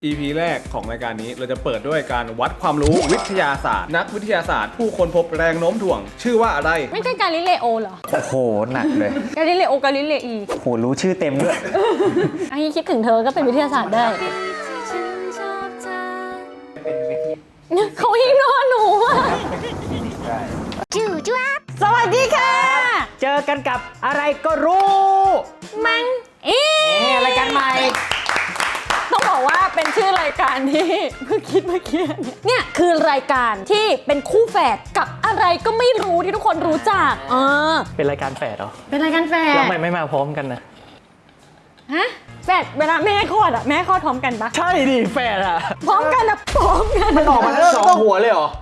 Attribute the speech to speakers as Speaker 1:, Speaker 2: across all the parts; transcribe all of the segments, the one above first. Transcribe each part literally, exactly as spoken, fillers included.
Speaker 1: อี พี แรกของรายการนี้เราจะเปิดด้วยการวัดความรู้วิทยาศาสตร์นักวิทยาศาสตร์ผู้ค้นพบแรงโน้มถ่วงชื่อว่าอะไร
Speaker 2: ไม่ใช่กาลิเลโอเหรอ
Speaker 3: โอ้โหหนักเลย
Speaker 2: กาลิเลโอกาลิเลอี
Speaker 3: โหรู้ชื่อเต็มด้วย
Speaker 2: อันนี้คิดถึงเธอก็เป็นวิทยาศาสตร์ได้เขาอิงนอนหนูจูจ้าสวัสดีค่ะ
Speaker 3: เจอกันกับอะไรก็รู้
Speaker 2: มังเอ๊
Speaker 3: ะรายการใหม่
Speaker 2: ต้องบอกว่าเป็นชื่อรายการที่เพิ่งคิดเมื่อกี้เนี่ยคือรายการที่เป็นคู่แฝดกับอะไรก็ไม่รู้ที่ทุกคนรู้จักเออ
Speaker 3: เป็นรายการแฝดเหรอ
Speaker 2: เป็นรายการแฝด
Speaker 3: แล้วทำไมไม่มาพร้อมกันนะ
Speaker 2: ฮะแฝดเวลาแม่คลอดอะแม่คลอดพร้อมกันปะ
Speaker 3: ใช่ดิแฝดอะ
Speaker 2: พร้อมกันอะพร้อมกัน
Speaker 3: มันออกมาแล้วสองหัวเลยเหรอ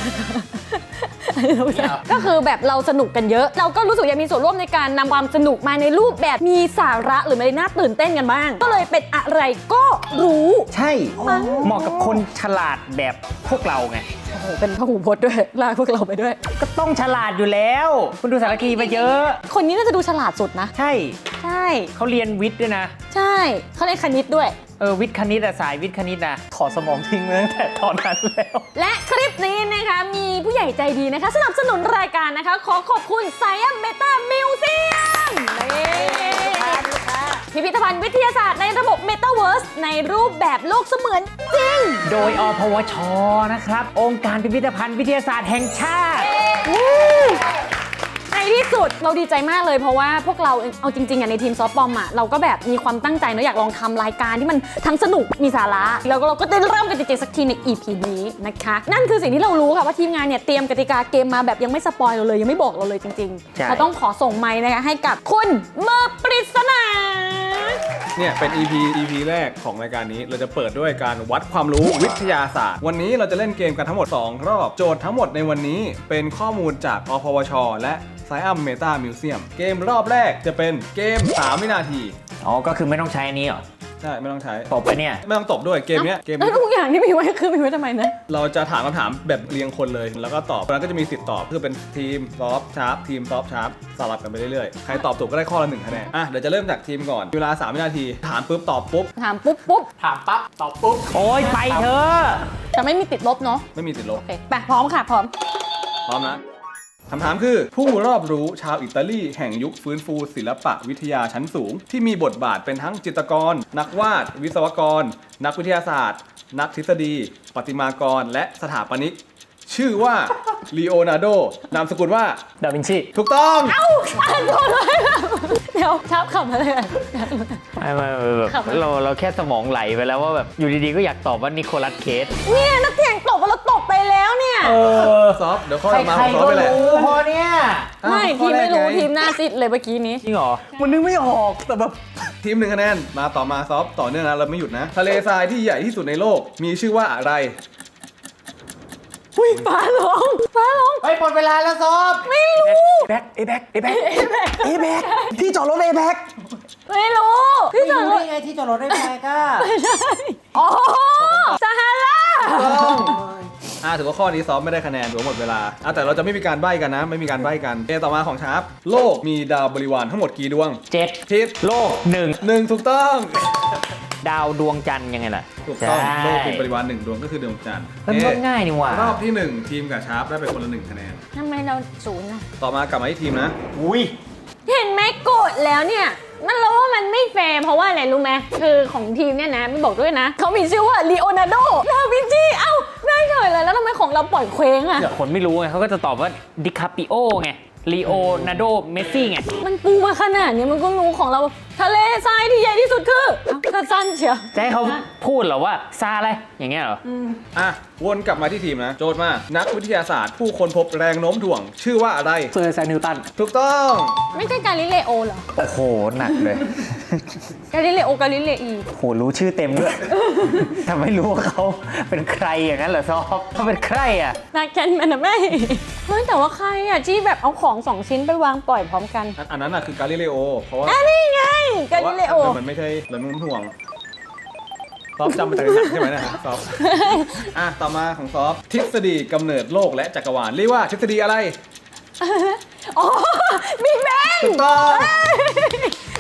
Speaker 2: ก็คือแบบเราสนุกกันเยอะเราก็รู้สึกอยากมีส่วนร่วมในการนำความสนุกมาในรูปแบบมีสาระหรือไม่น่าตื่นเต้นกันบ้างก็เลยเป็นอะไรก็รู้
Speaker 3: ใช่เหมาะกับคนฉลาดแบบพวกเราไง
Speaker 2: โอ้โหเป็นพหูพจน์ด้วยลากพวกเราไปด้วย
Speaker 3: ก็ต้องฉลาดอยู่แล้วคุณดูสารคดีมาเยอะ
Speaker 2: คนนี้น่าจะดูฉลาดสุดนะ
Speaker 3: ใช่
Speaker 2: ใช่
Speaker 3: เขาเรียนวิทย์ด้วยนะ
Speaker 2: ใช่เขาเรียนคณิตด้วย
Speaker 3: เออวิทย์คณิตอะสายวิทย์คณิตอะถอดสมองทิ้งมาตั้งแต่ตอนนั้นแล้ว
Speaker 2: และคลิปนี้นะคะมีผู้ใหญ่ใจดีนะคะสนับสนุนรายการนะคะขอขอบคุณ Science Meta Museum พิพิธภัณฑ์วิทยาศาสตร์ในระบบ Metaverse ในรูปแบบโลกเสมือนจริง
Speaker 3: โดยอพวชนะครับองค์การพิพิธภัณฑ์วิทยาศาสตร์แห่งชาติ
Speaker 2: ในที่สุดเราดีใจมากเลยเพราะว่าพวกเราเอาจริงๆอ่ะในทีมซอฟต์บอมอ่ะเราก็แบบมีความตั้งใจเนอะอยากลองทำรายการที่มันทั้งสนุกมีสาระแล้วก็เราก็ได้เริ่มกันจริงๆสักทีใน อี พี นี้นะคะนั่นคือสิ่งที่เรารู้ค่ะว่าทีมงานเนี่ยเตรียมกติกาเกมมาแบบยังไม่สปอยเราเลยยังไม่บอกเราเลยจริงๆเราต้องขอส่งไมค์นะคะให้กับคุณเมื่อปริศนา
Speaker 1: เนี่ยเป็น อี พี อี พี แรกของรายการนี้เราจะเปิดด้วยการวัดความรู้วิทยาศาสตร์วันนี้เราจะเล่นเกมกันทั้งหมดสองรอบโจทย์ทั้งหมดในวันนี้เป็นข้อมูลจากอพวชและScience Meta Museum เกมรอบแรกจะเป็นเกมสามวินาที
Speaker 3: อ๋อก็คือไม่ต้องใช้อันนี้เหรอ
Speaker 1: ใช่ไม่ต้องใช้
Speaker 3: ตบไปเนี่ย
Speaker 1: ไม่ต้องตบด้วยเกมเนี้ยเกม
Speaker 2: แล้วทุกอย่างที่มีไว้คือมีไว้ทำไมนะ
Speaker 1: เราจะถามคำถามแบบเรียงคนเลยแล้วก็ตอบแล้วก็จะมีสิทธิ์ตอบคือเป็นทีมซอฟชาร์ปทีมซอฟชาร์ปสลับกันไปเรื่อยๆใครตอบถูกก็ได้ข้อละหนึ่งคะแนนอ่ะเดี๋ยวจะเริ่มจากทีมก่อนเวลาสามวินาทีถามปุ๊บตอบปุ๊บ
Speaker 2: ถามปุ๊บปุ๊บ
Speaker 1: ถามปั๊บตอบปุ๊บ
Speaker 3: โอ้ยไปเถอะ
Speaker 2: แต่ไม่มีติดลบเนาะ
Speaker 1: ไม่มีติดลบ
Speaker 2: โอเคไปพร้อมค่ะพร้อม
Speaker 1: พร้อมนะคำถามคือผู้รอบรู้ชาวอิตาลีแห่งยุคฟื้นฟูศิลปะวิทยาชั้นสูงที่มีบทบาทเป็นทั้งจิตรกรนักวาดวิศวกรนักวิทยาศาสตร์นักทฤษฎีประติมากรและสถาปนิกชื่อว่าลีโอนาร์โดนามสกุลว่า
Speaker 3: ดาวินชี
Speaker 1: ถูกต้อง
Speaker 2: เอ้าอ่านก่อนเลยเดี๋ยวชอบคำอะไร
Speaker 3: ไม่ไม่แบบเราเราแค่สมองไหลไปแล้วว่าแบบอยู่ดีๆก็อยากตอบว่านิโคลัสเคส
Speaker 2: เนี่ยนักเถียงตอบว่าเราตอบไปแล้วเนี่ย
Speaker 1: เออซอฟเดี๋ยวข้อมาของซอฟไปแหละ
Speaker 3: พอเนี่ย
Speaker 2: ไม่ทีมไม่รู้ทีมหน้าซิดเลยเมื่อกี้นี้
Speaker 3: จริงเหรอมันนึกไม่ออกแต่แบบ
Speaker 1: ทีมหนึ่งคะแนนมาต่อมาซอฟต่อเนื่องนะเราไม่หยุดนะทะเลทรายที่ใหญ่ที่สุดในโลกมีชื่อว่าอะไร
Speaker 2: อุ้ยฟ้าลงฟ้าลง
Speaker 3: เฮ้ยหมดเวลาแล้วซอฟ
Speaker 2: ไม่รู้
Speaker 3: เอแบ็กเอแบ็กเอแบ็กเอแบ็กที่จอดรถเอแบ็ก
Speaker 2: ไม่รู้
Speaker 3: ที่จอดรถไงที่จอดรถเอแบ็กอ่ะ
Speaker 2: ไม่ใช่อ๋อซาฮารา
Speaker 1: อ่าถือว่าข้อนี้ซอฟไม่ได้คะแนนถือหมดเวลาอ่ะแต่เราจะไม่มีการใบ้กันนะไม่มีการใบ้กันเกมต่อมาของชาร์ปโลกมีดาวบริวารทั้งหมดกี่ดวง
Speaker 3: เจ็ด
Speaker 1: ทิศ
Speaker 3: โลกหนึ่ง
Speaker 1: หนึ่งถูกต้อง
Speaker 3: ดาวดวงจันทร์ยังไงล่ะ
Speaker 1: ถูกต้องโลกมีบริวารหนึ่งดวงก็คือดวงจันทร์
Speaker 3: มันก็ง่ายนี่หว่าร
Speaker 1: อบที่หนึ่งทีมกับชาร์ปได้ไปคนละหนึ่งคะแนน
Speaker 2: ทำไมเราศูนย์อ่ะ
Speaker 1: ต่อมากลับมาที่ทีมนะ
Speaker 3: อุ้ย
Speaker 2: เห็นไหมกดแล้วเนี่ยมันรู้ว่ามันไม่แฟร์เพราะว่าอะไรรู้ไหมคือของทีมเนี่ยนะไม่บอกด้วยนะเขามีชื่อว่าลีโอนาร์โดดาวินชีเอ้าได้เฉยเลยแล้วทำไมของเราปล่อยเคว้งอ่ะ
Speaker 3: เดี๋ยวคนไม่รู้ไงเขาก็จะตอบว่าดิคาปิโอไงลีโอนาร์โดเมสซี่ไง
Speaker 2: มันปูมาขนาดนี้มันก็รู้ของเราทะเลทรายที่ใหญ่ที่สุดคือก็สั้นเชียว
Speaker 3: จะให้เขาพูดเหรอว่าซาอะไรอย่างเงี้ยเหรอ
Speaker 1: อ่ะวนกลับมาที่ทีมนะโจทย์มานักวิทยาศาสตร์ผู้ค้นพบแรงโน้มถ่วงชื่อว่าอะไร
Speaker 3: เซอร์ไซน์นิวตัน
Speaker 1: ถูกต้อง
Speaker 2: ไม่ใช่กาลิเลโอเหรอ
Speaker 3: โอ้โหหนักเลย
Speaker 2: กาลิเลโอกาลิเลอี
Speaker 3: โหรู้ชื่อเต็มด้วยทำไมรู้ว่าเขาเป็นใครอย่างนั้นเหรอซอฟเขาเป็นใครอ่ะ
Speaker 2: นักแคนมันนะไม่เฮ้ยแต่ว่าใครอ่ะที่แบบเอาของสองชิ้นไปวางปล่อยพร้อมกัน
Speaker 1: อันนั้นอ่ะคือกาลิเลโอเพราะว่า
Speaker 2: อันนี้ไงกาลิเลโอ
Speaker 1: มันไม่ใช่แรงโน้มถ่วงซอฟจำมาจากหนังใช่ไหมนะครับซอฟอ่ะต่อมาของซอฟทฤษฎีกำเนิดโลกและจักรวาลเรียกว่าทฤษฎีอะไร
Speaker 2: อ๋อบิ๊กแบง
Speaker 1: ถูกต้อง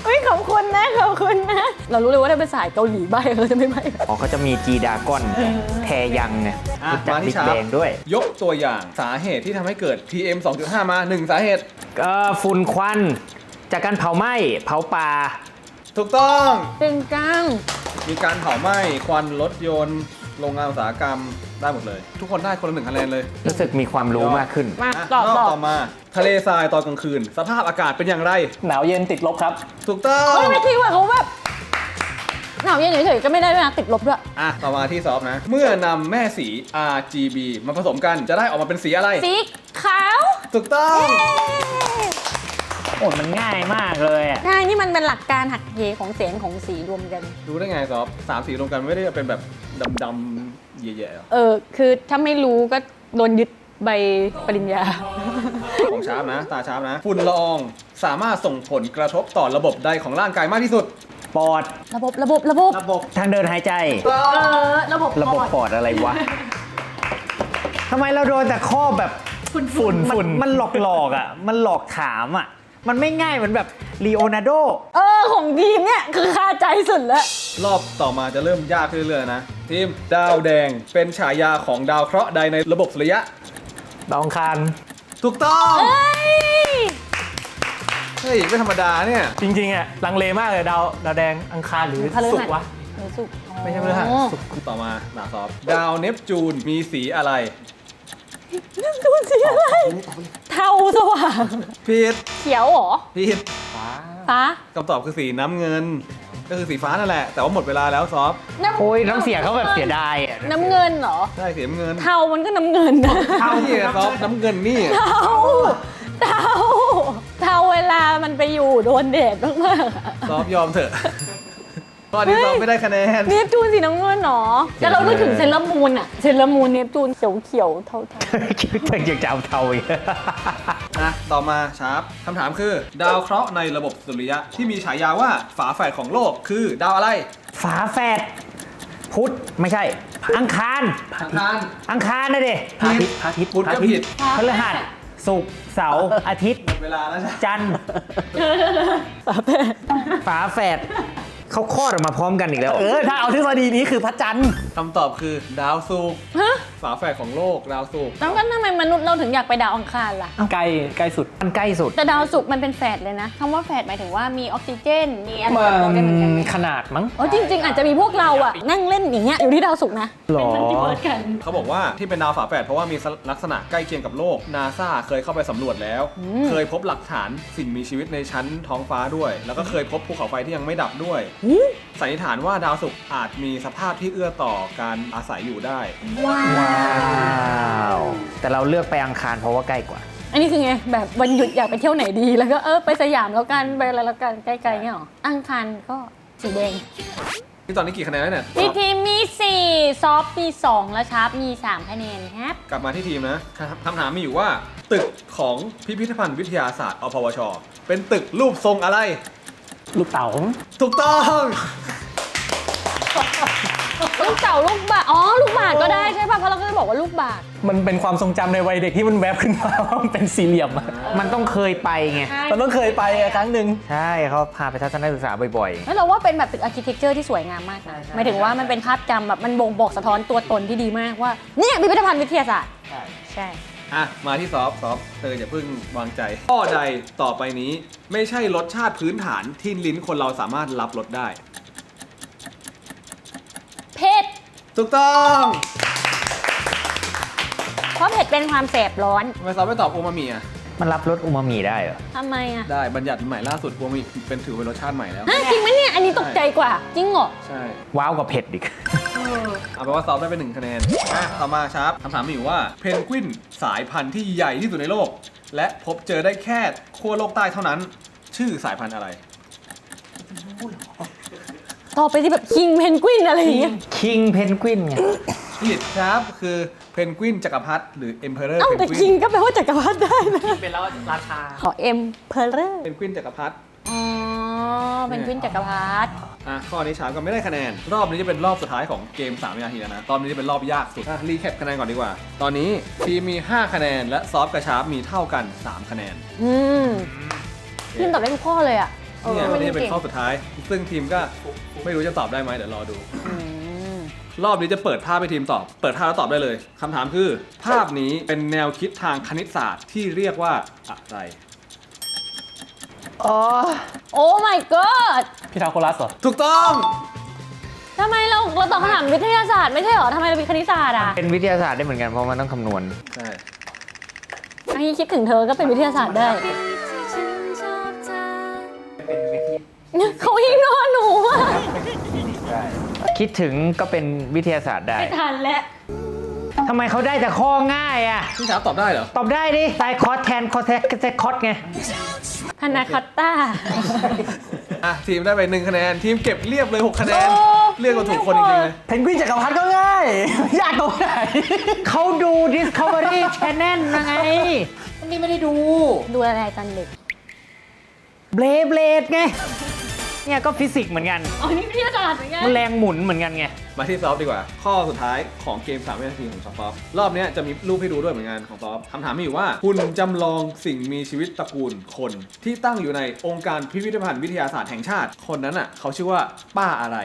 Speaker 2: เฮ้ยขอบคุณนะขอบคุณนะ เรารู้เลยว่าถ้าเป็นสายเกาหลีใบเขาจะไม่ใบ
Speaker 3: อ๋อเขาจะมีจีดากอนแทยังไง
Speaker 1: อ่ะ
Speaker 3: รู้จัก
Speaker 1: มาที่
Speaker 3: บิ๊ก
Speaker 1: ชาร์
Speaker 3: แบ
Speaker 1: ป
Speaker 3: งด้วย
Speaker 1: ยกตัวอย่างสาเหตุที่ทำให้เกิด พี เอ็ม สองจุดห้า มาหนึ่งสาเหตุ
Speaker 3: ก็ฝุ่นควันจากการเผาไหม้เผาป่า
Speaker 1: ถูกต้อง
Speaker 2: เป็นก้าง
Speaker 1: มีการเผาไหม้ควันรถยนต์โรงงานอุตสาหกรรมได้หมดเลย ทุกคนได้คนละหนึ่งคะแนนเลย
Speaker 3: รู้สึกมีความรู้มากขึ้น
Speaker 2: มา
Speaker 1: อ่ะ
Speaker 2: ตอบ
Speaker 1: รอบ
Speaker 2: ตอบ
Speaker 1: ต่อมาทะเลทรายตอนกลางคืน สภาพอากาศเป็นอย่างไร
Speaker 4: หนาวเย็นติดลบครับ
Speaker 1: ถูกต้อง
Speaker 2: เฮ้ยไม่คิดว่าเขาแบบหนาวเย็นเฉยๆก็ไม่ได้ด้วยนะติดลบด้วย
Speaker 1: อ่ะต่อมาที่ซอฟนะ เมื่อนำแม่สี อาร์ จี บี มาผสมกันจะได้ออกมาเป็นสีอะไร
Speaker 2: สีขาว
Speaker 1: ถูกต้อง
Speaker 3: โอ้มันง่ายมากเลยอ่ะ
Speaker 2: ใช่นี่มันเป็นหลักการหักเหของแสงของสีรวมกัน
Speaker 1: รู้ได้ไงซอฟสามสีรวมกันไม่ได้เป็นแบบดำๆแย่ๆหรอ
Speaker 2: เออคือถ้าไม่รู้ก็โดนยึดใบปริญญา
Speaker 1: ของชาร์ปนะ ตาชาร์ปนะ ฝุ่นละอองสามารถส่งผลกระทบต่อระบบใดของร่างกายมากที่สุด
Speaker 3: ปอด
Speaker 2: ระบบระบบระบบ
Speaker 1: ระบบ
Speaker 3: ทางเดินหายใจ
Speaker 2: เออระบบ
Speaker 3: ระบบปอดอะไรวะทำไมเราโดนแต่ข้อแบบฝุ่นฝุ่นฝุ่นมันหลอกหลอกๆอ่ะ มันหลอกถามอ่ะ มันไม่ง่ายเหมือนแบบลีโอนาร์โด
Speaker 2: เออของทีมเนี่ยคือคาใจสุดแล้ว
Speaker 1: รอบต่อมาจะเริ่มยากขึ้นเรื่อยๆนะ ทีมดาวแดงเป็นฉายาของดาวเคราะห์ใดในระบบสุริยะ
Speaker 4: ดาวอังคาร
Speaker 1: ถูกต้อง
Speaker 2: เอ้ย
Speaker 1: เฮ้ย ไม่ธรรมดาเนี่ย
Speaker 4: จริงๆอ่ะลังเลมากเลยดาวดาวแดงอังคารหรือ
Speaker 2: พฤหัส
Speaker 4: ศุกร์วะ
Speaker 2: หรือสุกร์อ๋อ
Speaker 4: ไม่ใช่พฤหัสศุกร์
Speaker 1: ต่อมาหนาซอฟดาวเนปจูนมีสีอะไร
Speaker 2: ดูสีอะไรเทาสว่าง
Speaker 1: ผิด
Speaker 2: เขียวเหรอ
Speaker 1: ผิด
Speaker 2: ฟ้า
Speaker 1: คำตอบคือสีน้ำเงิน ก็คือสีฟ้านั่นแหละ แต่ว่าหมดเวลาแล้วซอฟ
Speaker 2: น้ำ
Speaker 3: โอ้ยน้ำเสียงเขาแบบเสียดายอ่ะ
Speaker 2: น้ำเงินเหรอ
Speaker 1: ใช่สีน้ำเงิน
Speaker 2: เทามันก็น้ำเงินนะ
Speaker 1: เท่าที่ซอฟน้ำเงินนี่
Speaker 2: เทาเทาเทาเวลามันไปอยู่โดนแดดมากๆอะ
Speaker 1: ซอฟยอมเถอะตอนนี้ซอฟไม่ได้คะแนน
Speaker 2: เนปจูนสีน้ำเงินเหรอแต่เรานึกถึงเซเลอรามูนอะเซเลอรามูนเนปจูนเขียวเขียวๆเทาเทา
Speaker 3: คิดว่าอยากจะเอาเทาอีก
Speaker 1: นะต่อมาชาร์ปคำถามคือ ดาวเคราะห์ในระบบสุริยะที่มีฉายาว่าฝาแฝดของโลกคือดาวอะไร
Speaker 3: ฝาแฝดพุธไม่ใช่ อังคาร
Speaker 1: อังคาร
Speaker 3: อังคารนะดิ
Speaker 1: ผิด
Speaker 4: พระอาทิตย์
Speaker 1: พุธก็ผิด
Speaker 3: พฤหัสศุกร์เสาร์อาทิตย์
Speaker 1: หมดเวลาแล้วใช่
Speaker 3: จันทร์
Speaker 2: ฝาแฝด
Speaker 3: ฝาแฝดเขาคลอดออกมาพร้อมกันอีกแล้ว
Speaker 4: เออถ้าเอาทฤษฎีนี้คือพระจันทร์
Speaker 1: คำตอบคือดาวศุกร์
Speaker 2: ฮะ
Speaker 1: ฝาแฝดของโลกดาวศุกร์
Speaker 2: แล้วก็ทำไมมนุษย์เราถึงอยากไปดาวอังคารล่ะ
Speaker 4: ใกล้ใกล้สุด
Speaker 3: มันใกล้สุด
Speaker 2: แต่ดาวศุกร์มันเป็นแฝดเลยนะคำว่าแฝดหมายถึงว่ามีออกซิเจน มีอะไร
Speaker 4: มั
Speaker 2: โตได้เหมือนกัน
Speaker 4: นขนาดมั้ง
Speaker 2: อ๋อจริง ๆ อาจจะมีพวกเราอะนั่งเล่นอย่างเงี้ยอยู่ที่ดาวศุกร์นะ
Speaker 3: หรอ
Speaker 2: เป็นมัลติเวิร์สกัน
Speaker 1: เขาบอกว่าที่เป็นดาวฝาแฝดเพราะว่ามีลักษณะใกล้เคียงกับโลกนาซาเคยเข้าไปสำรวจแล้ว เคยพบหลักฐานสิ่งมีชีวิตในชั้นท้องฟ้าด้วย แล้วก็เคยพบภูเขาไฟที่ยังไม่ดับด้วยสันนิษฐานว่าดาวศุกร์อาจมีสภาพที่เอื้อต่อการอาศัยอยู่ได้
Speaker 2: ว้า
Speaker 3: ว้าว แต่เราเลือกไปอังคารเพราะว่าใกล้กว่า
Speaker 2: อันนี้คือไงแบบวันหยุดอยากไปเที่ยวไหนดี แล้วก็เออไปสยามแล้วกันไปอะไรแล้วกันใกล้ๆเงี้ยหรออังคารก็สีแดง
Speaker 1: ที่ตอนนี้กี่คะแนนแล้วเนี่ย
Speaker 2: พี่ทีมมีสี่ซอฟต์มีสองแล้วชาร์ปมีสามคะแนนครับ
Speaker 1: กลับมาที่ทีมนะคำถามมีอยู่ว่า ตึกของพิพิธภัณฑ์วิทยาศาสตร์อพวช เป็นตึกรูปทรงอะไร
Speaker 4: ลูกเต๋า
Speaker 1: ถูกต้อง
Speaker 2: ลูกเต่าลูกบาศก์อ๋อลูกบาศก์ก็ได้ใช่ป่ะเพราะเราก็จะบอกว่าลูกบาศก์
Speaker 4: มันเป็นความทรงจำในวัยเด็กที่มันแวบขึ้นมาว่ามันเป็นสี่เหลี่ยมอะ
Speaker 3: มันต้องเคยไปไง
Speaker 4: มันต้องเคยไปอะครั้งหนึ่ง
Speaker 3: ใช่เขาพาไปทัศนศึกษาบ่อย
Speaker 2: แล้วเราว่าเป็นแบบตึกอาร์เคเต็กเจอร์ที่สวยงามมากนะหมายถึงว่ามันเป็นภาพจำแบบมันบ่งบอกสะท้อนตัวตนที่ดีมากว่าเนี่ยพิพิธภัณฑ์วิทยาศาสตร์ใช่
Speaker 1: อ่ะ มาที่ซอฟซอฟเธออย่าเพิ่งวางใจ ข้อใดต่อไปนี้ไม่ใช่รสชาติพื้นฐานที่ลิ้นคนเราสามารถรับรสได้
Speaker 2: เผ็ด
Speaker 1: ถูกต้อง
Speaker 2: เพราะเผ็ดเป็นความแสบร้อน
Speaker 1: ทำไมซอฟไม่ตอบโอมามิอ่ะ
Speaker 3: ๆ มันรับรสอูมามิได้เหรอ
Speaker 2: ทำไมอ่ะ
Speaker 1: ได้บัญญัติใหม่ล่าสุดโอมามิเป็นถือเป็นรสชาติใหม่แล้ว
Speaker 2: ฮะจริงไหมเนี่ยอันนี้ตกใจกว่าจริงเหรอ
Speaker 1: ใช่
Speaker 3: ว้าวกับเผ็ดอีก
Speaker 1: เอาเป็นว่าซอฟได้ไปหนึ่งคะแนนอ่ะต่อมาชาร์ปคำถามมีอยู่ว่าเพนกวินสายพันธุ์ที่ใหญ่ที่สุดในโลก และพบเจอได้แค่ขั้วโลกใต้เท่านั้น ชื่อสายพันธุ์อะไร
Speaker 2: ต่อไปที่แบบคิงเพนกวินอะไรอย่างเงี้ย
Speaker 3: คิงเพนกวินไง
Speaker 1: ผิดครับคือเพนกวินจักรพรรดิหรือเอ็มเพอเรอร์
Speaker 2: เอ้า
Speaker 1: เพน
Speaker 2: แต่
Speaker 1: กวิ
Speaker 2: คิง
Speaker 1: น
Speaker 2: ก็แปลว่าจักรพรรดิได้นะ
Speaker 4: เป็นแล้วราชา
Speaker 2: ขอเอ็มเพลเลอร์
Speaker 1: เพนกวินจักรพรรดิ
Speaker 2: อ๋อเพนกวินจักรพรรดิ
Speaker 1: อ่ะข้อนี้ชาร์ปก็ไม่ได้คะแนน รอบนี้จะเป็นรอบสุดท้ายของเกมสามวินาทีแล้วนะ ตอนนี้จะเป็นรอบยากสุดอ่ะรีแคปคะแนนก่อนดีกว่า ตอนนี้ทีมมีห้าคะแนนและซอฟกับชาร์ปมีเท่ากันสามคะแนน
Speaker 2: อืมทีมตอบได้ทุกข้อเลยอ่ะ
Speaker 1: เนี่ย
Speaker 2: เออ
Speaker 1: นี่เป็น
Speaker 2: เก่ง
Speaker 1: ข้อสุดท้าย ซึ่งทีมก็ไม่รู้จะตอบได้ไหมเดี๋ยวรอดู
Speaker 2: อืม
Speaker 1: รอบนี้จะเปิดภาพให้ทีมตอบ เปิดภาพแล้วตอบได้เลยคำถามคือ ภาพนี้เป็นแนวคิดทางคณิตศาสตร์ที่เรียกว่าอะไร
Speaker 3: อ๋อ
Speaker 2: โอ้ my god
Speaker 4: พี่ทาโกรัสเหรอ
Speaker 1: ถูกต้อง
Speaker 2: ทำไมเราเราตอบคำถามวิทยาศาสตร์ไม่ใช่เหรอทำไมเราเป็นคณิตศาสตร์อ่ะ
Speaker 3: เป็นวิทยาศาสตร์ได้เหมือนกันเพราะมันต้องคำนวณ
Speaker 1: ใช่
Speaker 2: อันนี้คิดถึงเธอก็เป็นวิทยาศาสตร์ได้ เขายิงนอนหนูอ่ะ
Speaker 3: คิดถึงก็เป็นวิทยาศาสตร์ได้
Speaker 2: ไม่ทันแล้ว
Speaker 3: ทำไมเขาได้แต่ข้อง่ายอ่ะ
Speaker 1: พี่ชาร์ปตอบได้เหรอ
Speaker 3: ตอบได้ดิไซคอสแทนคอสแทกแทคอสไง
Speaker 2: พานาคอตต้า
Speaker 1: อ่ะทีมได้ไปหนึ่งคะแนน ทีมเก็บเรียบเลยหกคะแนน
Speaker 2: โอ้
Speaker 1: เรียกว่าถูกคนจริงๆเลย
Speaker 4: เพนกวินจักรพรรดิก็ง่าย ยากตรงไหน
Speaker 3: เขาดู Discovery Channel นะไง นี่ไม่ได้ดู
Speaker 2: ดูอะไรตอนเด็ก
Speaker 3: เบลเบลดไง เนี่ยก็ฟิสิกส์เหมือนกัน
Speaker 2: อ๋อ นี่วิทยาศาสตร์เหมือนกัน
Speaker 3: มันแรงหมุนเหมือนกันไง
Speaker 1: มาที่ซอฟต์ดีกว่า ข้อสุดท้ายของเกมสามวินาทีของซอฟต์รอบเนี้ยจะมีรูปให้ดูด้วยเหมือนกันของซอฟต์คำถามมีอยู่ว่าคุณจำลองสิ่งมีชีวิตตระกูลคน ที่ตั้งอยู่ในองค์การพิพิธภัณฑ์วิทยาศาสตร์แห่งชาติ คนนั้นอ่ะเขาชื่อว่าป้าอะไร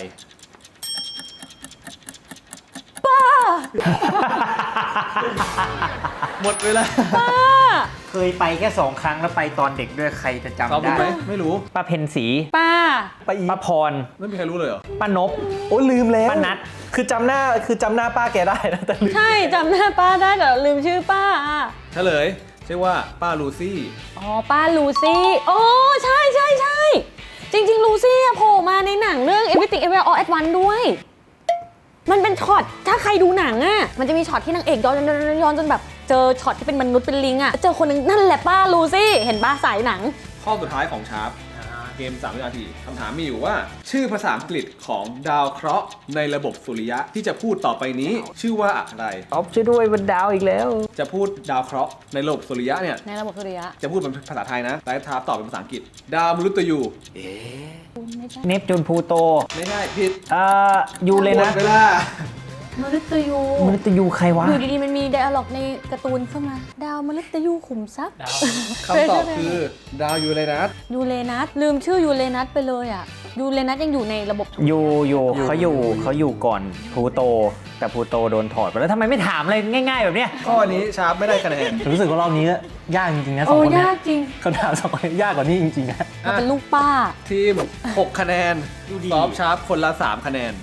Speaker 1: หมดเวลา
Speaker 3: เคยไปแค่สองครั้งแล้วไปตอนเด็กด้วยใครจะ
Speaker 1: ซอฟ
Speaker 3: จำ
Speaker 1: ต์รู้
Speaker 3: ได้
Speaker 1: ไหมไม่รู้
Speaker 3: ป้าเพนสี
Speaker 2: ป้า
Speaker 4: ป้าอี
Speaker 3: ป้าพร
Speaker 1: ไม่มีใครรู้เลยเหรอ
Speaker 3: ป้านบ
Speaker 4: โอ้ลืมแล้ว
Speaker 3: ป้านัท
Speaker 4: คือจำหน้าคือจำหน้าป้าแกได้นะแต่ลืม
Speaker 2: ใช่จำหน้าป้าได้แต่ลืมชื่อป้าอ่ะ
Speaker 1: เฉลยชื่อว่าป้าลูซี่
Speaker 2: อ๋อ ป้าลูซี่โอ้ใช่ใช่ใช่จริง ๆ ลูซี่อะโผล่มาในหนังเรื่อง Everything Everywhere All at Once ด้วย มันเป็นช็อต ถ้าใครดูหนังอะมันจะมีช็อตที่นางเอกย้อนย้อนย้อนย้อนจนแบบเจอช็อตที่เป็นมนุษย์เป็นลิงอะเจอคนหนึงนั่นแหละป้าลูซี่ เห็นป้าสายหนัง
Speaker 1: ข้อสุดท้ายของชาร์ปเกมสามวินาทีคำถามมีอยู่ว่า ชื่อภาษาอังกฤษของดาวเคราะห์ในระบบสุริยะที่จะพูดต่อไปนี้ ชื่อว่าอะไร
Speaker 3: ตอบช่วยด้วยบนดาวอีกแล้ว
Speaker 1: จะพูดดาวเคราะห์ในระบบสุริยะเนี่ย
Speaker 2: ในระบบสุริยะ
Speaker 1: จะพูดเป็นภาษาไทยนะแต่ทาร์ปตอบเป็นภาษาอังกฤษ ดาวมฤตยู
Speaker 2: ไม่ใช่
Speaker 3: เนปจูนพลูโต
Speaker 1: ไม่ใช่ผิด
Speaker 3: เอ่อยูเลย
Speaker 1: หม
Speaker 3: นะ
Speaker 1: ดเวลา
Speaker 2: มฤตยู
Speaker 3: มนุษย์ยูใครวะ
Speaker 2: อยู่ดีๆมันมีไดอะล็อกในการ์ตูนขึ้นมา ดาวมฤตยูขุมทรัพย์
Speaker 1: คำตอบคือดาวยูเรนัส
Speaker 2: ยูเรนัสลืมชื่อยูเรนัสไปเลยอ่ะยูเรนัสยังอยู่ในระบบ
Speaker 3: ยูยูเขาอยู่เขาอยู่ก่อนพลูโต แต่พลูโตโดนถอดไปแล้วทำไมไม่ถามอะไรง่าย ๆ แบบเนี้ย
Speaker 1: ข้อนี้ชาร์ปไม่ได้คะแนน
Speaker 4: รู้สึกว่ารอบนี้ยากจริงๆนะสอ
Speaker 2: โอ้
Speaker 4: งคนเนี้
Speaker 2: ยากจริง
Speaker 4: คำถามสองคนนี้ยากกว่านี้จริงๆนะ
Speaker 2: เราเป็นลูกป้า
Speaker 1: ทีมหกคะแนนซอฟต์ชาร์ปคนละสามคะแนน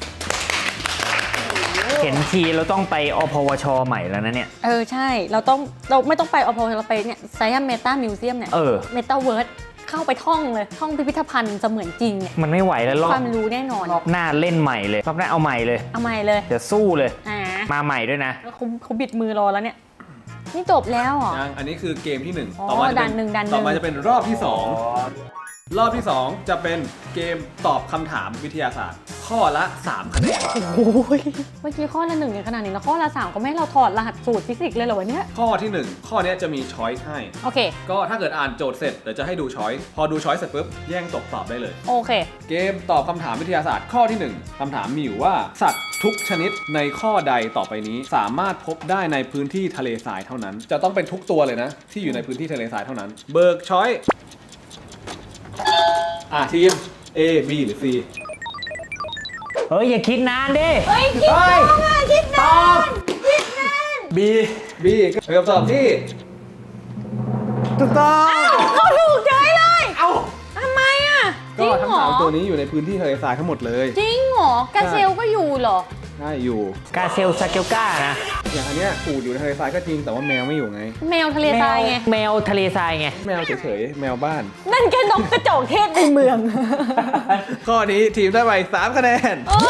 Speaker 3: เห็นทีเราต้องไปอพวชใหม่แล้วนะเนี่ย
Speaker 2: เออ ใช่ เราต้องเราไม่ต้องไปอพอเราไปเนี่ยไซแอมเมตามิวเซียมเนี่ย
Speaker 3: เออ
Speaker 2: เมตาเวิร์ดเข้าไปท่องเลย ท่องพิพิธภัณฑ์เสมือนจริงเนี่ย
Speaker 3: มันไม่ไหวแล้วรอ
Speaker 2: ค
Speaker 3: บ
Speaker 2: วามรู้แน่นอน
Speaker 3: รอบหน้าเล่นใหม่เลยรอบหน้าเอาใหม่เลย
Speaker 2: เอาใหม่เลย
Speaker 3: เดี๋ยวสู้เลย
Speaker 2: อ่า
Speaker 3: มาใหม่ด้วยนะ
Speaker 2: แล้วเขาเขาบิดมือรอแล้วเนี่ย นี่จบแล้วเหรอ
Speaker 1: ยังอันนี้คือเกมที่หนึ่ง
Speaker 2: อ๋อ
Speaker 1: ต่อมาจะเป็
Speaker 2: ด่านหนึ่งด่านหนึ่ง
Speaker 1: ต่อมาจะเป็นรอบที่สองรอบที่สองจะเป็นเกมตอบคำถามวิทยาศาสตร์ ข้อละสามคะแนน
Speaker 2: โอ้ยเมื่อกี้ข้อละหนึ่งอย่างขนาดนี้แล้วข้อละสามก็ไม่ให้เราถอดรหัสสูตรฟิสิกส์เลยเหรอวะเนี่ย
Speaker 1: ข้อที่หนึ่งข้อเนี้ยจะมีช้อยส์ให้
Speaker 2: โอเค
Speaker 1: ก็ถ้าเกิดอ่านโจทย์เสร็จเดี๋ยวจะให้ดูช้อยส์พอดูช้อยส์เสร็จปุ๊บแย่งตกตอบได้เลย
Speaker 2: โอเค
Speaker 1: เกมตอบคำถามวิทยาศาสตร์ข้อที่หนึ่งคำถามมีอยู่ว่าสัตว์ทุกชนิดในข้อใดต่อไปนี้ สามารถพบได้ในพื้นที่ทะเลทรายเท่านั้น จะต้องเป็นทุกตัวเลยนะ ที่อยู่ในพื้นที่ทะเลทรายเท่านั้น เบิกช้อยส์อ่ะทีม A B หรือ C
Speaker 3: เฮ้ย อย่าคิดนานดิ
Speaker 2: เฮ้ย คิดนานอ่ะคิดนาน
Speaker 1: B B ก็เป็นคำตอบที่ถูกต้อง
Speaker 2: เขาถูกใจเลย เอ้าทำไมอ่ะ จ
Speaker 1: ก็
Speaker 2: ริง
Speaker 1: ทั้ง
Speaker 2: เหรอ
Speaker 1: สามตัวนี้อยู่ในพื้นที่ทะเลทรายทั้งหมดเลย
Speaker 2: จริงเหรอกาเซลก็อยู่เหรอ
Speaker 1: ใช่อยู่
Speaker 3: กาเซลซาเกลกานะ
Speaker 1: อย่างอันเนี้ยปูดอยู่ในทะเลทรายก็จริงแต่ว่าแมวไม่อยู่ไง
Speaker 2: แมวทะเลทรายไง
Speaker 3: แมวทะเลทรายไง
Speaker 1: แมวเฉยๆแมวบ้าน
Speaker 2: นั่นแค่นกกระจอกเทศในเมือง
Speaker 1: ข้อนี้ทีมได้ไปสามคะแนน
Speaker 2: โอ้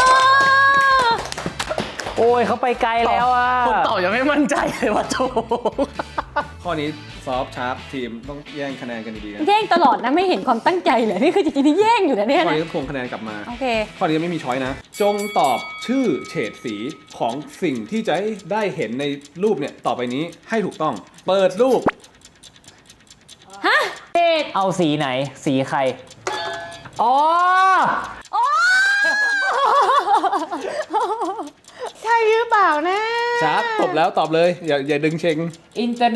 Speaker 3: โอ้ยเขาไปไกลแล้วอ่ะ
Speaker 4: คนตอบยังไม่มั่นใจเลยว่าถูก
Speaker 1: ข้อนี้ซอฟต์ชาร์ปทีมต้องแย่งคะแนนกันดีๆนะ
Speaker 2: แย่งตลอดนะไม่เห็นความตั้งใจเลยนี่คือจริงๆที่แย่งอยู่นะเนี่ย
Speaker 1: ข้อ
Speaker 2: นะ
Speaker 1: นี้ต้องทวงคะแนนกลับมา
Speaker 2: โอเค
Speaker 1: ข้อนี้ไม่มีช้อยนะ จงตอบชื่อเฉดสีของสิ่งที่จะได้เห็นในรูปเนี่ยต่อไปนี้ให้ถูกต้อง เปิดรูป
Speaker 2: ฮะเอ็ด
Speaker 3: เอาสีไหน สีใคร อ๋อ
Speaker 2: โอ้ใช่หรือเปล่านะ
Speaker 1: ชาร์ปตบแล้วตอบเลย อย่าอย่าดึงเชง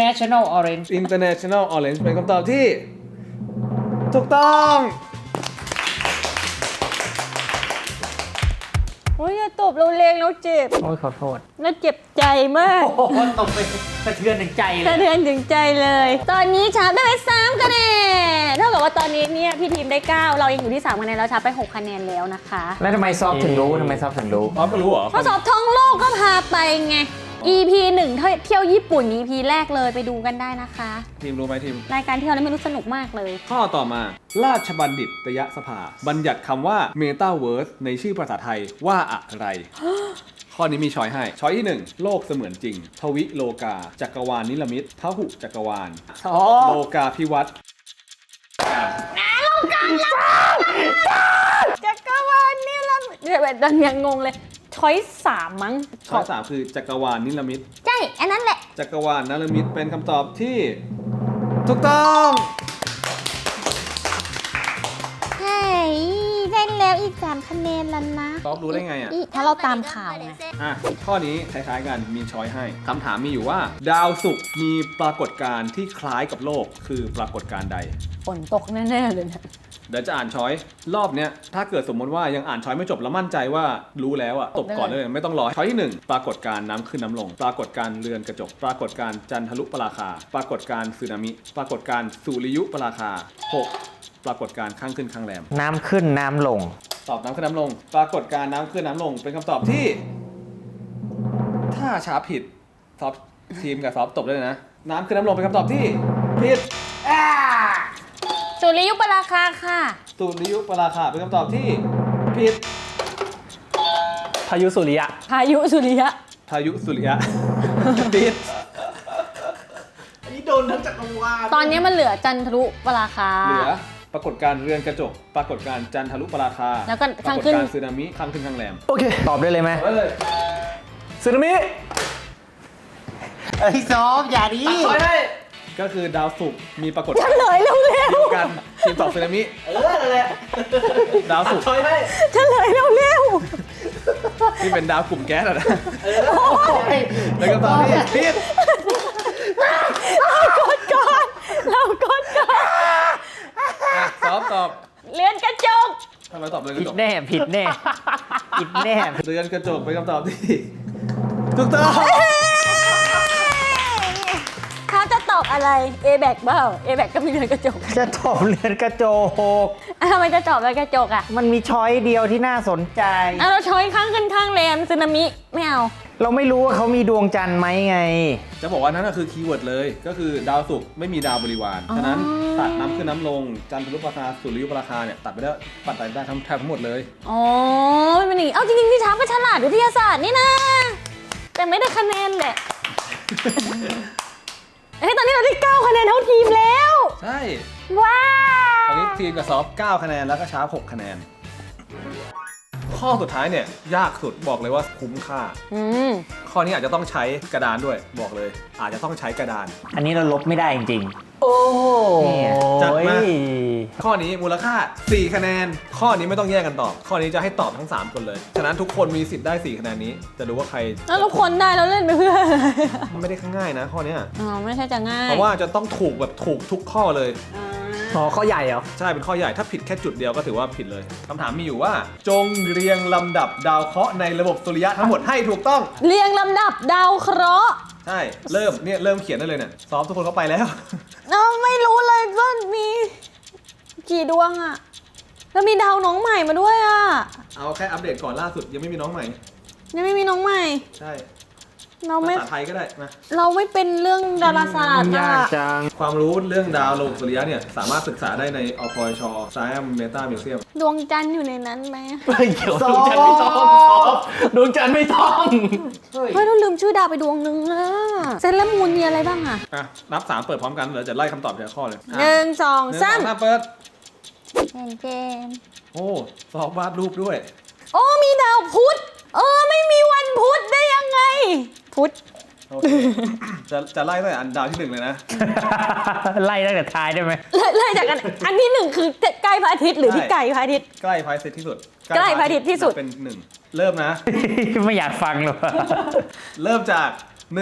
Speaker 3: International Orange
Speaker 1: International Orange เป็นคำตอบที่ ถูกต้อง
Speaker 2: ตบเราแรงเราเจ็บ
Speaker 3: โอ้ยขอโทษ
Speaker 2: แล้วเจ็บใจมาก
Speaker 3: โอ้โหตกไปสะเทือนถึงใจเล
Speaker 2: สะ
Speaker 3: ย
Speaker 2: เทือนถึงใจเลย ตอนนี้ชาร์ปได้ไปสามคะแนนเท่ากับว่าตอนนี้เนี่ยพี่ทีมได้เก้าเรายังอยู่ที่สามคะแนนแล้วชาร์ปไปหกคะแนนแล้วนะคะ
Speaker 3: แล้วทำไมซอฟถึงรู้ทำไมซอฟถึงรู้
Speaker 1: อ๋อก็รู้เหรอ
Speaker 2: ข้อสอบท่องโลกก็พาไปไง อี พี หนึ่งเที่ยวญี่ปุ่น อี พี แรกเลยไปดูกันได้นะคะ
Speaker 1: ทีมรู้ไหมทีม
Speaker 2: รายการเที่ยวนี้ไม่รู้สนุกมากเลย
Speaker 1: ข้อต่อมา ราชบัณฑิตยสภา บัญญัติคำว่า Metaverse ในชื่อภาษาไทยว่าอะไร ข้อนี้มีช้อยให้ ช้อยที่ หนึ่ง โลกเสมือนจริง ทวิโลกา จักรวาลนิรมิตพหุจักรวาล
Speaker 3: อ๋อ
Speaker 1: โลกาพิวัตร
Speaker 2: จักรวาลนี่ละเดี๋ยวแบบดังยังงงเลยช้อยสามมั้ง
Speaker 1: ช้อยสามคือจักรวาลนิรมิต
Speaker 2: ใช่อันนั้นแหละ
Speaker 1: จักรวาลนิรมิตเป็นคำตอบที่ถูกต้อง
Speaker 2: ใช่ได้แล้วอีกสามคะแนนแล้วนะ
Speaker 1: ตอบรู้ได้ไงอ่ะ
Speaker 2: ถ้าเราตามข่าวไง
Speaker 1: อ่ะ ข้อนี้คล้ายๆกัน มีช้อยให้ คำถามมีอยู่ว่า ดาวศุกร์มีปรากฏการณ์ที่คล้ายกับโลก คือปรากฏการณ์ใด
Speaker 2: ฝนตกแน่ๆเลยนะ
Speaker 1: เดี๋ยวจะอ่านช้อย รอบเนี้ย ถ้าเกิดสมมติว่ายังอ่านช้อยไม่จบแล้วมั่นใจว่ารู้แล้วอ่ะ ตบก่อนเลยไม่ต้องรอ ช้อยที่หนึ่งปรากฏการณ์น้ำขึ้นน้ำลง ปรากฏการณ์เรือนกระจก ปรากฏการณ์จันทรุปราคา ปรากฏการณ์สึนามิ ปรากฏการณ์สุริยุปราคา หก ปรากฏการณ์ข้างขึ้นข้างแรม
Speaker 3: น้ำขึ้นน้ำลง
Speaker 1: ตอบน้ำขึ้นน้ำลง ปรากฏการณ์น้ำขึ้นน้ำลง เป็นคำตอบที่ ถ้าช้าผิดซอฟทีมกับซอฟตบได้เลยนะ น้ำขึ้นน้ำลงเป็นคำตอบที่ผิด
Speaker 2: สุริยุปราคาค่ะ
Speaker 1: สุริยุปราคาเป็นคำตอบที่ผิด
Speaker 4: พายุสุริยะ
Speaker 2: พายุสุริยะ
Speaker 1: พายุสุริยะ ผิด
Speaker 2: ตอนนี้มันเหลือจันทรุปราคา
Speaker 1: เหลือปรากฏการณ์เรือนกระจก ปรากฏการณ์จันทรุปราคา
Speaker 2: แล้วก็
Speaker 1: ปรา
Speaker 2: ข้าง
Speaker 1: กฏ
Speaker 2: ขึ้น
Speaker 1: การณ์สึนามิข้างขึ้นข้างแรม
Speaker 4: โอเค
Speaker 3: ตอบได้เลยไหม
Speaker 1: เอาไว้เลย
Speaker 4: สึนามิ
Speaker 3: เอ้ยซอฟอย่าดิ
Speaker 1: ก็คือดาวศุกร์มีปรากฏ
Speaker 2: เฉลยเร็ว
Speaker 1: เดียวกันทีมตอบสึนามิเออนั่นแหละดาวศุกร์
Speaker 2: ๆเฉลยเร็ว
Speaker 1: ที่เป็นดาวกลุ่มแก๊สอะนะแล้วก็ตอบที่ผิด
Speaker 2: ๆเรากดก่อนเรากดก่อน
Speaker 1: อ่ะตอบตอบ
Speaker 2: เลื่อนกระจก
Speaker 1: ทำไมตอบเรือนก
Speaker 3: ผิด
Speaker 1: ระจก
Speaker 3: แน่ผิดแน่ผิดแน่
Speaker 1: เรือนกระจกเป็นคำตอบที่ถูกต้อง
Speaker 2: เขาจะตอบอะไร A แบกเปล่า A แบกก็มีเรือนกระจก
Speaker 3: จะตอบเรือนกระจก
Speaker 2: อ่ะทำไมจะตอบเรือนกระจกอ่ะ
Speaker 3: มันมีช้อยเดียวที่น่าสนใจ
Speaker 2: อ่ะเราช้อยข้างขึ้นข้างแรมสึนามิไม่เอา
Speaker 3: เราไม่รู้ว่าเขามีดวงจันทร์ไหมไง
Speaker 1: จะบอกว่านั่นก็คือคีย์เวิร์ดเลย ก็คือดาวศุกร์ไม่มีดาวบริวาร ฉะนั้นตัดน้ำขึ้นน้ำลง จันทรุปราคาสุริยุปราคาเนี่ยตัดไปได้ปัดไปได้ทั้งแทบทั้งหมดเลย
Speaker 2: อ๋อไม่เป็นอย่างนี้เอาจริงๆที่ช้าก็ฉลาดวิทยาศาสตร์นี่นะ แต่ไม่ได้คะแนนแหละ เฮ้ยตอนนี้เราได้เก้าคะแนนเท่าทีมแล้ว
Speaker 1: ใช่
Speaker 2: ว้า
Speaker 1: ตอน
Speaker 2: ว
Speaker 1: นี้ทีมกับซอฟเก้าคะแนนแล้วก็ชาร์ปหกคะแนน ข้อสุดท้ายเนี่ยยากสุดบอกเลยว่าคุ้มค่า
Speaker 2: อืม
Speaker 1: ข้อนี้อาจจะต้องใช้กระดานด้วยบอกเลย อาจจะต้องใช้กระดาน
Speaker 3: อันนี้เราลบไม่ได้จริง
Speaker 4: โอ้โห
Speaker 3: เนี่ย
Speaker 1: จัดมา ข้อนี้มูลค่าสี่คะแนน ข้อนี้ไม่ต้องแยกกันตอบ ข้อนี้จะให้ตอบทั้งสามคนเลย ฉะนั้นทุกคนมีสิทธิ์ได้สี่คะแนนนี้ จะดูว่าใคร
Speaker 2: แล้วเราคนได้เราเล่นไปเพื่ออะไร
Speaker 1: มันไม่ได้ง่ายนะข้อเนี้ย
Speaker 2: อ๋อไม่ใช่จะง่าย
Speaker 1: เพราะว่าจะต้องถูกแบบถูกทุกข้อเลย
Speaker 2: อ่า
Speaker 4: อ๋อข้อใหญ่เหรอ
Speaker 1: ใช่เป็นข้อใหญ่ถ้าผิดแค่จุดเดียวก็ถือว่าผิดเลยคำถามมีอยู่ว่า จงเรียงลำดับดาวเคราะห์ในระบบสุริยะทั้งหมดให้ถูกต้อง
Speaker 2: เรียงลำดับดาวเคราะห์
Speaker 1: ใช่เริ่มเนี่ยเริ่มเขียนได้เลยเนี่ยซ้อมทุกคนเข้าไปแล้ว
Speaker 2: เราไม่รู้เลยว่ามีกี่ดวงอะแล้วมีดาวน้องใหม่มาด้วยอะ
Speaker 1: เอาแค่อัปเดตก่อนล่าสุดยังไม่มีน้องใหม่
Speaker 2: ยังไม่มีน้องใหม่
Speaker 1: ใช่
Speaker 2: เราไม่
Speaker 1: ภาษาไทยก็ได้มา
Speaker 2: เราไม่เป็นเรื่องดาราศาสตร์
Speaker 3: ๆ
Speaker 2: อะ
Speaker 3: ยากจัง
Speaker 1: ความรู้เรื่องดาวระบบสุริยะเนี่ยสามารถศึกษาได้ในอพช Science Meta Museum
Speaker 2: ดวงจันทร์อยู่ในนั้นไหม
Speaker 4: ไม่เกี่ยวดวงจันทร์ไม่ต้องซอฟดวงจันทร์ไม่ต้อง
Speaker 2: เฮ้ยเราลืมชื่อดาวไปดวงนึงอะเซนและมูนมีอะไรบ้างอะ
Speaker 1: อ่ะนับสามเปิดพร้อมกันเดี๋ยวจะไล่คำตอบทีละข้อเลยอ่ะ
Speaker 2: หนึ่งสอง
Speaker 1: หนึ่ง
Speaker 2: สาม
Speaker 1: สามเปิด
Speaker 2: เจนเจน
Speaker 1: โอ้สอบวาดรูปด้วย
Speaker 2: โอ้มีดาวพุธเออไม่มีวันพุธได้ยังไง พุธ
Speaker 1: โอเค จะจะไล่ตั้งแต่อันดาวที่หนึ่งเลยนะ
Speaker 3: ไล่ตั้งแต่ท้ายได้ไหม
Speaker 2: เลยเลยจากกันอันที่หนึ่งคือใกล้พระอาทิตย์หรือที่
Speaker 1: ใช่
Speaker 2: ไกลพระอาทิตย์
Speaker 1: ใกล้พระอาทิตย์ที่สุด
Speaker 2: ใกล้พระอาทิตย์ที่สุด
Speaker 1: เป็นหนึ่งเริ่มนะ
Speaker 3: ไม่อยากฟังเลย
Speaker 1: เริ่มจากหนึ่ง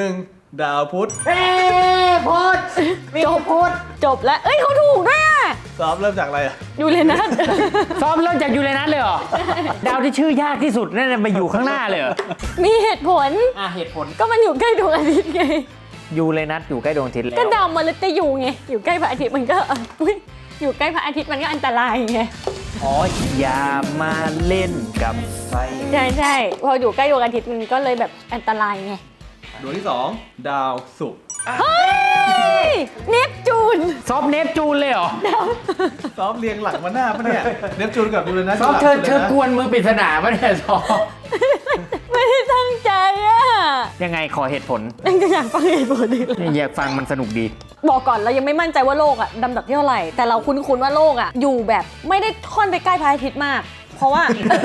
Speaker 1: ดาวพุธ
Speaker 3: เอ้พุธมีพุธ
Speaker 2: จบแล้ว เอ้ยเขาถูกด้วยอะ
Speaker 1: ซ้อมเริ่มจากอะไรอะ
Speaker 2: ยูเรนัส
Speaker 3: ซ้อมเริ่มจากยูเรนัสเลยเหรอ ดาวที่ชื่อยากที่สุดนั่นนะมาอยู่ข้างหน้าเลยเหรอ
Speaker 2: มีเหตุผล
Speaker 3: อ่ะเหตุผล
Speaker 2: ก็มันอยู่ใกล้ดวงอาทิตย์ไง
Speaker 3: ยูเรนัสอยู่ใกล้ดวงอาทิตย์แล้ว
Speaker 2: ก็ดาวมฤตยูไง อยู่ใกล้พระอาทิตย์มันก็เอ่ออุ๊ยอยู่ใกล้พระอาทิตย์มันก็อันตรายไง
Speaker 3: อ๋ออย่ามาเล่นกับไฟ
Speaker 2: ใช่ใช่พออยู่ใกล้ดวงอาทิตย์มันก็เลยแบบอันตรายไง
Speaker 1: ดวงที่สองดาวศุกร์
Speaker 2: เฮ้ย เนปจูน
Speaker 3: ซอฟเนปจูนเลยเหรอ
Speaker 1: ซ้อมเรียงหลังมาหน้าปะเนี่ยเนปจูนกับยูเรนัส
Speaker 3: ซอฟเธอเธ
Speaker 1: ยู่
Speaker 3: อ
Speaker 1: หลัง
Speaker 3: กวนมือปริศนาปะเนี่ยซอฟ
Speaker 2: ไม่ได้ตั้งใจอะ
Speaker 3: ยังไงขอเหตุผล
Speaker 2: ยังจะอยากฟังเหตุผลอีกเหรอ
Speaker 3: อยากฟังมันสนุกดี
Speaker 2: บอกก่อนเรายังไม่มั่นใจว่าโลกอะดำดับที่เท่าไหร่ แต่เราคุ้นๆว่าโลกอะอยู่แบบไม่ได้ค่อนไปใกล้พระอาทิตย์มาก เพราะว่า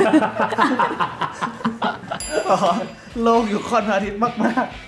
Speaker 1: อ๋อโลกอยู่ค่อนพระอาทิตย์มากๆ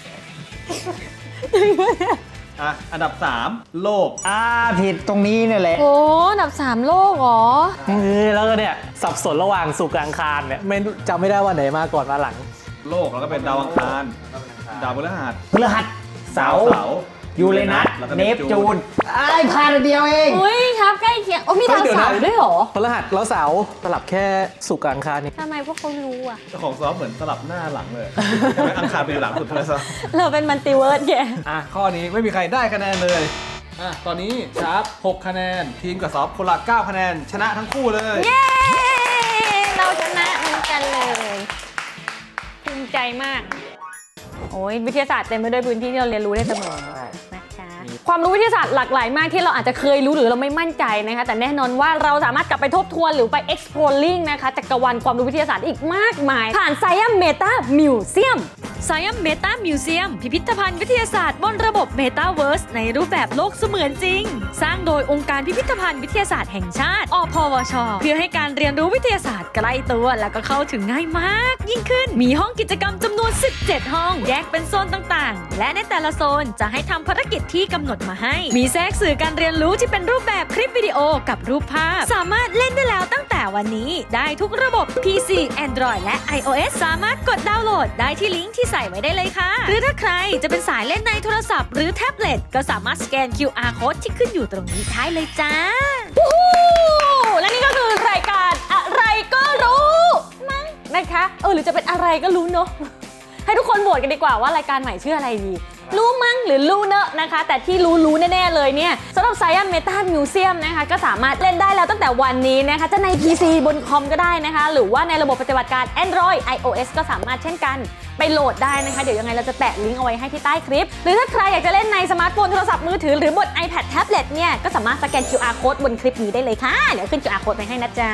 Speaker 1: อ่ะอันดับสามโลก
Speaker 3: อ่าผิดตรงนี้เนี่ยแหละ
Speaker 2: โอ้อันดับสามโลกเหรอ
Speaker 4: เออแล้วก็เนี่ยสับสนระหว่างศุกร์กับอังคารเนี่ยไม่รู้จำไม่ได้ว่าไหนมาก่อนมาหลัง
Speaker 1: โลกแล้วก็เป็นดาวอังคารดาวพฤหัส
Speaker 3: พฤหัสเสาร์
Speaker 1: เสาร์
Speaker 3: ยูเรนัส
Speaker 1: แล้วก็
Speaker 3: เนปจูนไอ้พลาดอันเดียวเอง
Speaker 2: อุ้ยครับใกล้เคียงโอ้มีดาวเสาร์ด้วยเหรอ
Speaker 4: พฤหัสแล้วเสาร์สลับแค่ศุกร์กับอังคารนี่
Speaker 2: ทำไมพวกเขารู้อะ
Speaker 1: เจ้าของซ้อมเหมือนสลับหน้าหลังเลยใช่ไหมอังคารเป็นหลังสุดเลยซ้อม
Speaker 2: เราเป็นมัลติเวิร์สแก
Speaker 1: อ่ะข้อนี้ไม่มีใครได้คะแนนเลยอ่ะตอนนี้ชาร์ปหกคะแนนทีมกับซอฟคนละเก้าคะแนนชนะทั้งคู่เลย
Speaker 2: เย้ เราชนะเหมือนกันเลยภูมิใจมาก โอ้ยวิทยาศาสตร์เต็มไปด้วยพื้นที่ที่เราเรียนรู้ได้เสมอนะคะความรู้วิทยาศาสตร์หลากหลายมากที่เราอาจจะเคยรู้หรือเราไม่มั่นใจนะคะแต่แน่นอนว่าเราสามารถกลับไปทบทวนหรือไป exploring นะคะจักรวาลความรู้วิทยาศาสตร์อีกมากมาย ผ่าน Science Meta Museum
Speaker 5: Science Meta Museum พิพิธภัณฑ์วิทยาศาสตร์บนระบบ Metaverse ในรูปแบบโลกเสมือนจริง สร้างโดยองค์การพิพิธภัณฑ์วิทยาศาสตร์แห่งชาติ อพวช เพื่อให้การเรียนรู้วิทยาศาสตร์ใกล้ตัวและก็เข้าถึงง่ายมากยิ่งขึ้น มีห้องกิจกรรมจำนวน สิบเจ็ด ห้อง แยกเป็นโซนต่างๆ และในแต่ละโซนจะให้ทำภารกิจที่กำหนดมาให้ มีแทรกสื่อการเรียนรู้ที่เป็นรูปแบบคลิปวิดีโอกับรูปภาพ สามารถเล่นได้แล้วตั้งแต่วันนี้ได้ทุกระบบ พี ซี Android และ iOS สามารถกดดาวน์โหลดได้ที่ลิงก์ที่ใส่ไว้ได้เลยค่ะ หรือถ้าใครจะเป็นสายเล่นในโทรศัพท์หรือแท็บเล็ตก็สามารถสแกน คิว อาร์ Code ที่ขึ้นอยู่ตรงนี้ได้เลยจ้า
Speaker 2: วู้ฮู้และนี่ก็คือรายการอะไรก็รู้มั้งนะคะเออหรือจะเป็นอะไรก็รู้เนอะ ให้ทุกคนโหวตกันดีกว่าว่ารายการใหม่ชื่ออะไรดี รู้มั้งหรือรู้เนอะนะคะ แต่ที่รู้รู้แน่ๆเลยเนี่ยสำหรับ Science Meta Museum นะคะก็สามารถเล่นได้แล้วตั้งแต่วันนี้นะคะจะใน พี ซี บนคอมก็ได้นะคะ หรือว่าในระบบปฏิบัติการ Android iOS ก็สามารถเช่นกันไปโหลดได้นะคะ เดี๋ยวยังไงเราจะแปะลิงก์เอาไว้ให้ที่ใต้คลิป หรือถ้าใครอยากจะเล่นในสมาร์ทโฟนโทรศัพท์มือถือหรือบน iPad Tablet เนี่ยก็สามารถสแกน คิว อาร์ Code บนคลิปนี้ได้เลยค่ะเดี๋ยวขึ้น คิว อาร์ Code ไปให้นะจ๊ะ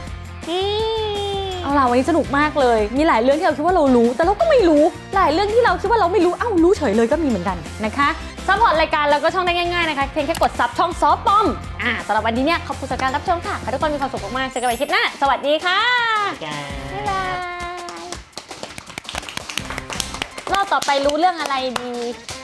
Speaker 2: เอาล่ะวันนี้สนุกมากเลย มีหลายเรื่องที่เราคิดว่าเรารู้ แต่เราก็ไม่รู้ หลายเรื่องที่เราคิดว่าเราไม่รู้ เอ้ารู้เฉยเลยก็มีเหมือนกันนะคะซัพพอร์ตรายการเราก็ช่องได้ง่ายๆนะคะ เพียงแค่กดซับช่องซอฟปอมอ่าสำหรับวันนี้เนี่ยขอบคุณสำหรับการรับชมค่ะขอให้ทุกคนมีความสุขมากๆเจอกันใหม่คลิปหน้า สวัสดีค่ะบ๊ายบายรอบต่อไปรู้เรื่องอะไรดี